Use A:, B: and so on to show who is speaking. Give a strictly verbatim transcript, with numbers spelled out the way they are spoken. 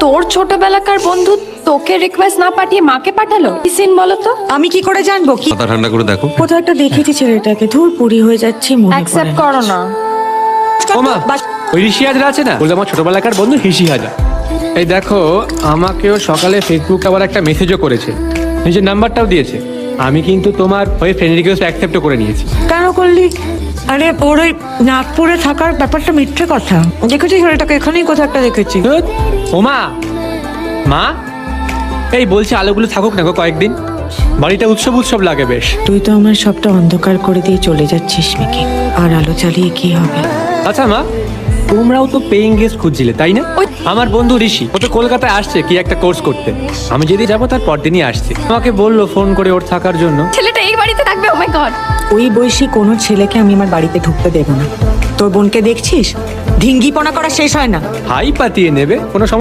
A: তোর ছোটবেলাকার বন্ধু তোকে রিকোয়েস্ট না পাঠিয়ে মাকে পাঠালো? কি সিন বলো তো?
B: আমি কি করে জানবো? কি
C: মাথা ঠান্ডা করে দেখো।
B: কোথাও একটা দেখেছি ছেলেটাকে, ধুর পুরি হয়ে যাচ্ছি, মনে পড়ে
A: অ্যাকসেপ্ট
B: না।
A: করো না।
D: ওমা, ওই ঋষি হাজরা আছে না, বলতে আমার ছোটবেলাকার বন্ধু ঋষি হাজরা। এই দেখো, আমাকেও সকালে ফেসবুক আবার একটা মেসেজও করেছে, নিজের নাম্বারটাও দিয়েছে। আমি কিন্তু তোমার ওই ফ্রেন্ড রিকোয়েস্ট অ্যাকসেপ্টও করে নিয়েছি।
B: কেন করলি? আরে ওর ওই নাগপুরে থাকার ব্যাপারটা মিথ্যে কথা। দেখেছি ছেলেটাকে, এখানেই কোথাও একটা দেখেছি।
D: ধুৎ, ওমা মা, এই বলছি আলোগুলো থাকুক না গো কয়েকদিন, বাড়িটা উৎসব উৎসব লাগে বেশ।
B: তুই তো আমার সবটা অন্ধকার করে দিয়ে চলে যাচ্ছিস মিকি, আর আলো চালিয়ে কি হবে?
D: আচ্ছা মা, তোমরাও তো পেইং গেস্ট খুঁজছিলে তাই না? ওই আমার বন্ধু ঋষি, ও তো কলকাতায় আসছে কি একটা কোর্স করতে। আমি যেদিন যাবো তার পরদিনই আসছে। আমাকে বললো ফোন করে ওর থাকার জন্য।
A: ছেলেটা এই বাড়িতে থাকবে? Oh my god.
B: ওই বয়সী কোনো ছেলেকে আমি আমার বাড়িতে ঢুকতে দেবো না। তোর বোনকে দেখছিস, ঢিঙ্গিপনা করা শেষ হয় না।
D: হাই পাতিয়ে নেবে, কোনো সমস্যা